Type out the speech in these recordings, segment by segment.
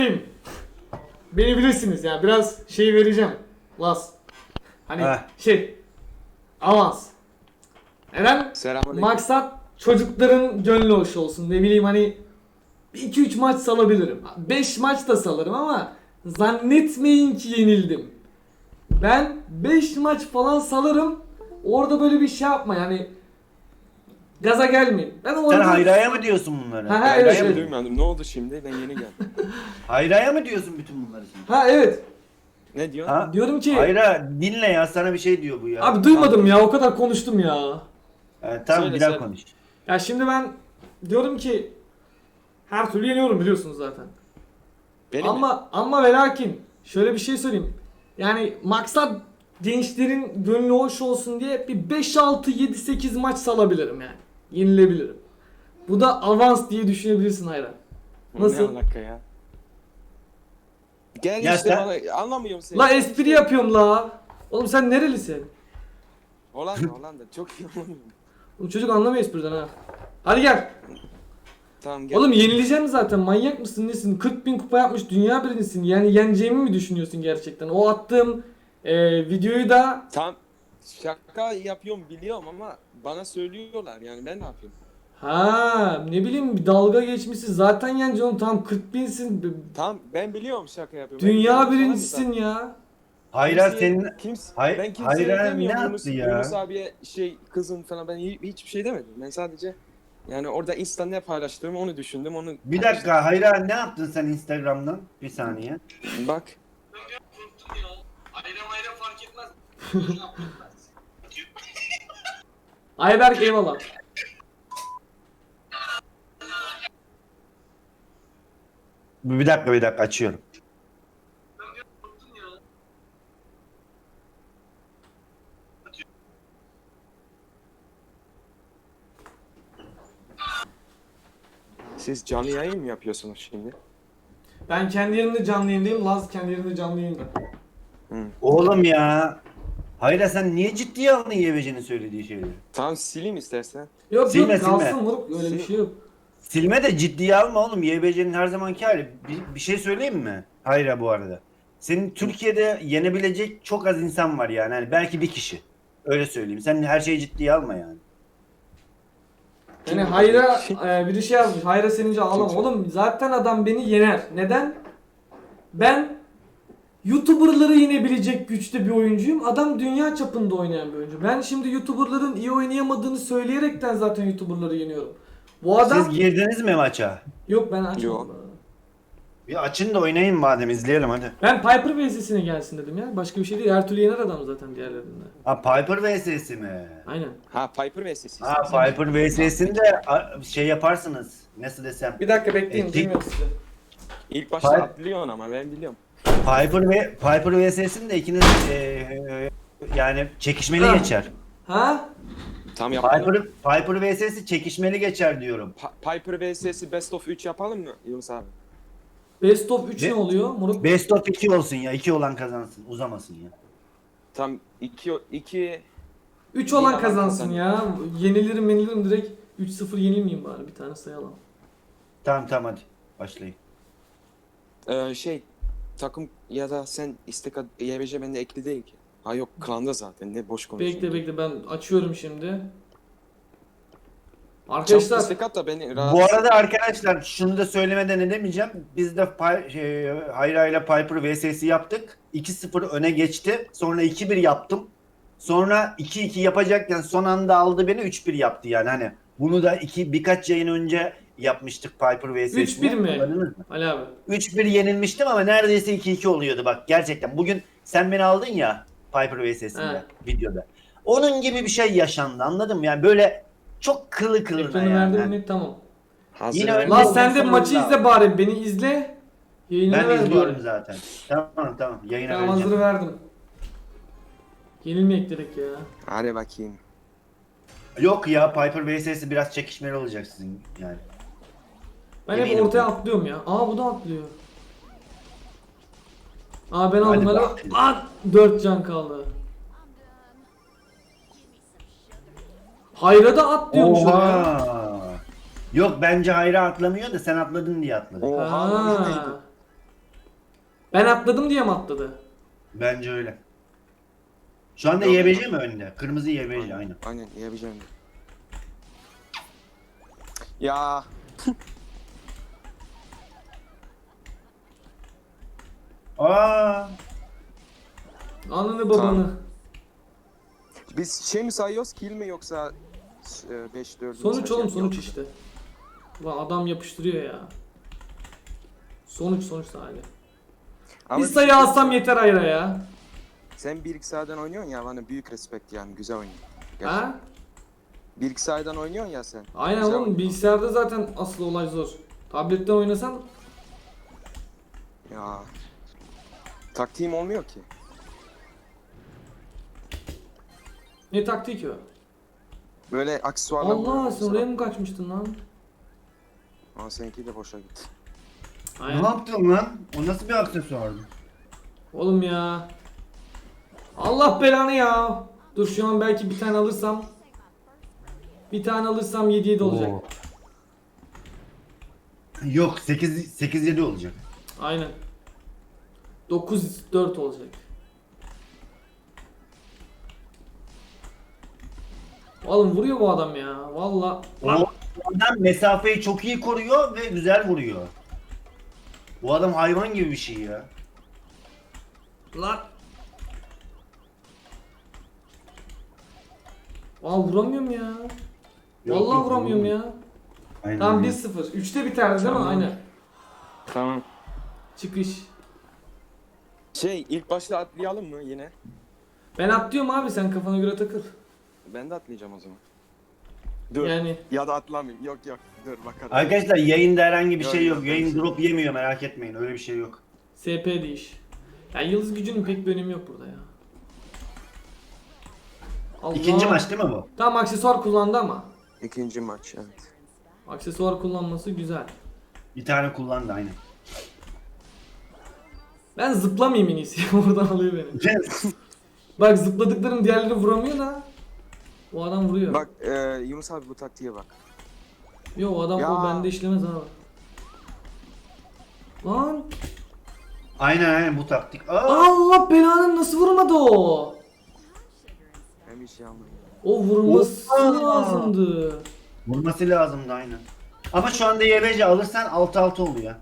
Beni bilirsiniz ya, biraz şey vereceğim. Las. Hani avans. Neden? Selamünaleyküm. Maksat çocukların gönlü hoş olsun. Ne bileyim hani 2-3 maç salabilirim. 5 maç da salarım ama zannetmeyin ki yenildim. Ben 5 maç falan salarım. Orada böyle bir şey yapma yani. Gaza gelmeyin. Ben Sen orada... Hayra'ya mı diyorsun bunları? Ha, Ben evet, şey evet. duymadım. Ne oldu şimdi? Ben yeni geldim. Hayra'ya mı diyorsun bütün bunları sen? Ha evet. Ne diyorsun? Ha? Diyorum ki... Hayra dinle ya, sana bir şey diyor bu ya. Abi duymadım ya, o kadar konuştum ya. Tamam Söyle, bir daha söyle. konuş. Ya şimdi ben diyorum ki her türlü yeniyorum biliyorsunuz zaten. Benim mi? Ama ve lakin şöyle bir şey söyleyeyim. Yani maksat gençlerin gönlü hoş olsun diye bir 5 6 7 8 maç salabilirim yani. Yenilebilirim. Bu da avans diye düşünebilirsin Hayran. Nasıl? Ne alaka ya? Gel Ya işte sen- bana anlamıyorum seni. La espri yapıyorum la. Oğlum sen nerelisin? Hollanda çok iyi anlamıyorum. Oğlum çocuk anlamıyor espriden ha. Hadi gel. Tamam gel. Oğlum yenileceğim zaten, manyak mısın nesin? 40.000 kupa yapmış dünya birincisin. Yani yeneceğimi mi düşünüyorsun gerçekten? O attığım videoyu da Tamam şaka yapıyorum biliyorum ama bana söylüyorlar yani ben ne yapayım? ha ne bileyim bir dalga geçmişsin zaten yeneceksin oğlum, tam 40.000'sin. Tamam ben biliyorum şaka yapıyorum. Ben Dünya yanlış falan mı birincisin zaten? ya. Hayra Kimseye- senin... ben kimseye Hayra demiyorum ne Yunus, yaptı ya? Yunus abiye kızım falan ben hiçbir şey demedim. Ben sadece yani orada Insta ne paylaştığımı onu düşündüm onu Bir dakika Hayra, ne yaptın sen Instagram'dan? Bir saniye. bak. Ayran fark etmez. Ayberk eyvallah. Bir dakika açıyorum. Siz canlı yayın mı yapıyorsunuz şimdi? Ben kendi yerimde canlı yayındayım. Laz kendi yerinde canlı yayında. Oğlum ya. Hayra sen niye ciddiye aldın YBC'nin söylediği şeyleri? Tamam sileyim istersen. Yok Silme, yok kalsın silme. moruk, öyle bir şey yok. Silme de ciddiye alma oğlum. YBC'nin her zamanki hali. Bir şey söyleyeyim mi? Hayra bu arada. Senin Türkiye'de yenebilecek çok az insan var yani. Hani belki bir kişi. Öyle söyleyeyim. Sen her şeyi ciddiye alma yani. Yani Hayra biri şey yazmış. Hayra senince ağlama. Kim? Oğlum zaten adam beni yener. Neden? Ben YouTuber'ları yenebilecek güçte bir oyuncuyum. Adam dünya çapında oynayan bir oyuncu. Ben şimdi YouTuber'ların iyi oynayamadığını söyleyerekten zaten YouTuber'ları yeniyorum. Bu adam... Siz girdiniz mi maça? Yok ben açmadım. Yok. Bir açın da oynayın madem, izleyelim hadi. Ben Piper vs'sine gelsin dedim ya. Başka bir şey değil. Her türlü yener adam zaten diğerlerinde. Ha Piper vs'si mi? Aynen. Ha Piper vs. Ha Piper vs'sinde şey yaparsınız. Nasıl desem. Bir dakika bekleyin. Peki. Bilmiyorum size. İlk başta Piper- atlıyorsun ama ben biliyorum. Piper vs'sinde ikiniz yani çekişmeli Ha. geçer. Ha? Tam yapalım. Piper vs'si çekişmeli geçer diyorum. Piper vs'si best of 3 yapalım mı Yunus abi? Best of 3 Be- ne oluyor? Moruk. Best of 2 olsun ya. 2 olan kazansın. Uzamasın ya. Tam 2 3 olan Bir kazansın adam ya. Yenilirim direkt. 3-0 yenilmeyeyim bari, bir tane sayalım. Tamam hadi. Başlayın. takım ya da sen istek YBC bende ekli değil ki. Ha yok klanda zaten ne boş konuşuyorsun. Bekle ben açıyorum şimdi. Çabuk Arkadaşlar istek at da beni rahat. Bu arada arkadaşlar şunu da söylemeden edemeyeceğim. Biz de Hayra ile Piper vs'si yaptık. 2-0 öne geçti. Sonra 2-1 yaptım. Sonra 2-2 yapacakken son anda aldı beni, 3-1 yaptı yani hani. Bunu da birkaç yayın önce yapmıştık Piper vs'sini. 3-1 mi? Hatırladınız mı? Ali abi. 3-1 yenilmiştim ama neredeyse 2-2 oluyordu bak gerçekten. Bugün sen beni aldın ya Piper vs'sinde videoda. Onun gibi bir şey yaşandı, anladın mı? Yani böyle çok kılı kılına Ekranı yani. verdim mi? Tamam. Hazır Yine ver. öyle- Lan oldu, sen de sonunda. maçı izle bari, beni izle. Yayını Ben ver izliyorum bari. zaten. Tamam. Yayına Tamam, vereceğim. hazırı verdim. Yenilmeyek direkt ya. Hadi bakayım. Yok ya, Piper vs'si biraz çekişmeli olacak sizin yani. Ben hep Eminim. ortaya atlıyorum ya. Aa bu da atlıyor. Aa ben Hadi aldım bak. galiba. Aa 4 can kaldı. Hayra da atlıyormuş o ya. Oha. Yok bence Hayra atlamıyor da sen atladın diye atladı. Oha. Ha. Ben atladım diye mi atladı? Bence öyle. Şu anda Yok. YBC mi önde? Kırmızı YBC aynı. Aynen yiyebileceğim. Ya Aa, Ananı babanı. biz şey mi sayıyoruz, kill mi yoksa 5-4 Sonuç oğlum, sonuç işte. Ulan adam yapıştırıyor ya. Sonuç sadece. Bir sayı alsam yeter Ayra ya. Sen 1-2 saatden oynuyorsun ya, bana büyük respekt yani, güzel oynuyorsun. Ha? 1-2 saatden oynuyorsun ya sen. Aynen Güzel oğlum, oynuyorsun. bilgisayarda zaten asıl olay zor. Tabletten oynasan Ya. Taktiğim olmuyor ki. ne taktik o? Böyle aksesuarlar Allah, buluyorum sen oraya mesela. mı kaçmıştın lan? Ama seninki de boşa gitti. ne Aynen. yaptın lan? O nasıl bir aksesuardı? Oğlum ya. Allah belanı ya. Dur şu an belki bir tane alırsam. Bir tane alırsam 7-7 olacak. Oo. Yok 8-7 olacak. Aynen. 9-4 olacak. Oğlum vuruyor bu adam ya. Valla. O adam mesafeyi çok iyi koruyor ve güzel vuruyor. Bu adam hayvan gibi bir şey ya. Lan. Aa, vuramıyorum ya. Yok, Vallahi yok, vuramıyorum ya. Aynen. Tamam, öyle. 1-0. 3'te biterdi değil mi? Tamam. Aynen. Tamam. Çıkış. Şey, ilk başta atlayalım mı yine? Ben atlıyorum abi, sen kafana göre takıl. Ben de atlayacağım o zaman. Dur. Yani Ya da atlamayayım. Yok dur bakalım. Arkadaşlar yayında herhangi bir Yok, şey yok. yok, Yayın ben şey- drop yemiyor, merak etmeyin. Öyle bir şey yok. SP değiş. Ya yıldız gücünün pek bir önemi yok burada ya. Allah. İkinci maç değil mi bu? Tamam, aksesuar kullandı ama. İkinci maç, evet. Aksesuar kullanması güzel. Bir tane kullandı aynen. Ben zıplamayayım en iyisi. Oradan alıyor beni. Bak, zıpladıklarım diğerleri vuramıyor da. O adam vuruyor. Bak Yunus abi, bu taktiğe bak. Yo, o adam Ya. o bende işlemez abi. Lan. aynen bu taktik. Aa! Allah belanı, nasıl vurmadı o? Hem bir şey almayayım. O vurması Oha. lazımdı. Vurması lazımdı aynen. Ama şu anda YBC alırsan 6-6 oluyor.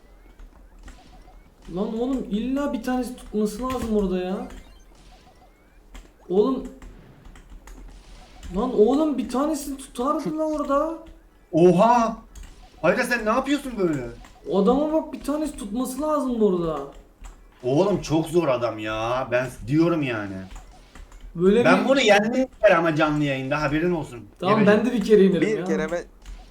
Lan oğlum, illa bir tanesi tutması lazım orada ya. Oğlum. Lan oğlum, bir tanesini tutardı lan orada. Oha! Hayda sen ne yapıyorsun böyle? O adama bak, bir tanesi tutması lazımdı orada. Oğlum çok zor adam ya. Ben diyorum yani. Böyle Ben bir... bunu yendim bir kere ama canlı yayında haberin olsun. Tamam, YBC. ben de bir kere inerim Bir ya. kere ben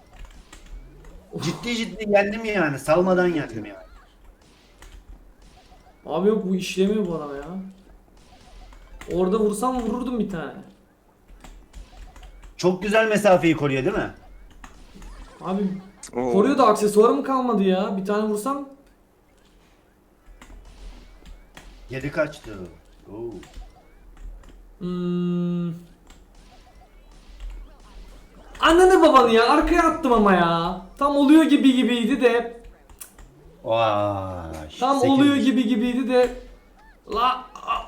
Ciddi yendim yani. Salmadan yendim yani. Abi yok, bu işlemiyor bu adama ya. Orada vursam vururdum bir tane. Çok güzel mesafeyi koruyor değil mi? Abi Oo. koruyor da aksesuarım kalmadı ya. Bir tane vursam. Geri kaçtı. Oo. Ananı babanı ya, arkaya attım ama ya. Tam oluyor gibiydi de. Vay. Tam 8. oluyor gibiydi de. La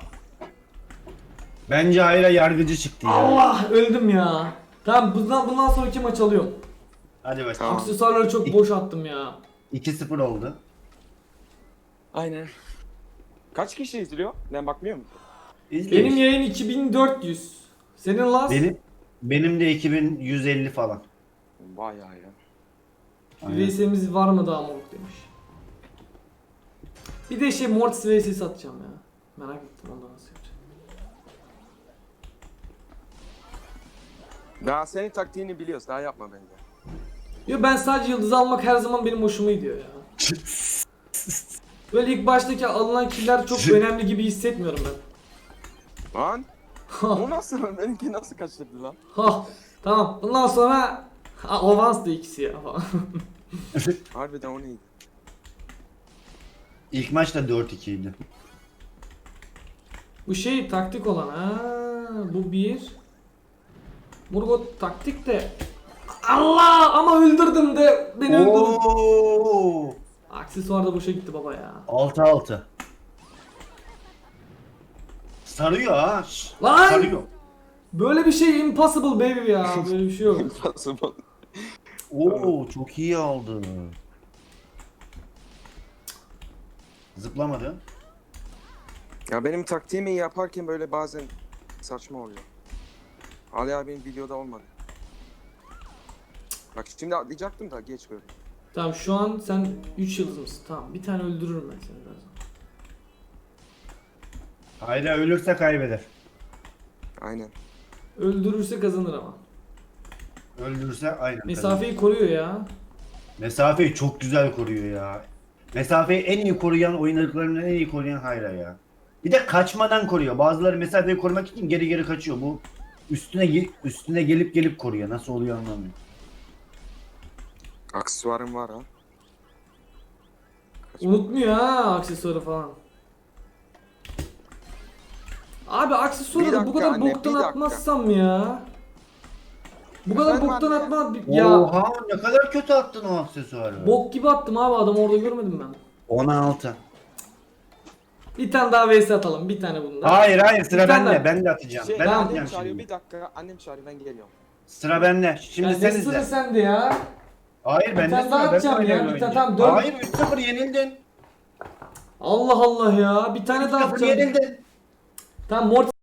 Bence Hayra yargıcı çıktı ya. Allah, öldüm ya. Tamam, bundan sonraki maç alıyorum. Hadi bakalım. Tamam. Aksesuarları çok boş attım ya. 2-0 oldu. Aynen. Kaç kişi izliyor? Ben bakmıyor musun? İzle Benim işte. yayın 2400. Senin Laz? Benim de 2150 falan. Bayağı ya. Aynen. VS'miz var mı daha moruk demiş. Bir de şey, Mortis VS satacağım ya. Merak ettim ondan nasıl yapacağım. Daha senin taktiğini biliyoruz. Daha yapma bence. Yo, ben sadece yıldız almak her zaman benim hoşuma gidiyor ya. Böyle ilk baştaki alınan killer çok önemli gibi hissetmiyorum ben. Lan! O nasıl? Benimki nasıl kaçırdı lan? Ha, tamam. Bundan sonra avans da ikisi ya falan. Harbiden o neydi? İlk maç da 4-2 idi. Bu şey taktik olan. Ha, bu bir. Murgot taktik de. Allah, ama öldürdüm de beni öldürdün. Oo! Aksesuar da boşa gitti baba ya. 6-6. Sarıyor ha. Lan! Sarıyor. Böyle bir şey impossible baby ya. Böyle bir şey yok. Impossible. Oo çok iyi aldı. Zıplamadı. Ya benim taktiğimi yaparken böyle bazen saçma oluyor. Ali abinin videoda olmadı. Bak şimdi atlayacaktım da geç böyle. Tamam şu an sen 3 yıldız mısın? Tamam bir tane öldürürüm ben seni birazdan. Hayra ölürse kaybeder. Aynen. Öldürürse kazanır ama. Öldürürse aynen. Mesafeyi koruyor ya. Mesafeyi çok güzel koruyor ya. Mesafeyi en iyi koruyan, oynadıklarından en iyi koruyan Hayra ya. Bir de kaçmadan koruyor. Bazıları mesafeyi korumak için geri geri kaçıyor. Bu üstüne gelip koruyor. Nasıl oluyor anlamıyorum. Aksesuarım var ha. Unutmuyor ha aksesuarı falan. Abi aksesuarı Bir da bu dakika kadar anne, bir boktan dakika. atmazsam ya. Bu kadar Efendim boktan anne? atma ya. Oha ne kadar kötü attın o aksesuarı. Bok gibi attım abi adam orada görmedim ben. 16. Bir tane daha vs atalım bir tane bundan. Hayır sıra Bir tane bende. daha. Ben de atacağım. Ben tamam, atacağım Annem çağırıyor şimdi. bir dakika. Annem çağırıyor ben geliyorum. Sıra bende. Şimdi Ya sen ne sıra izle. sende ya. Hayır ben de tane daha sıra. Ben atacağım ya, oynayayım bir tane, önce. tamam, dört. Hayır 3-0 yenildin. Allah Allah ya bir tane daha 3-0 atacağım. yenildin. Tamam Mortis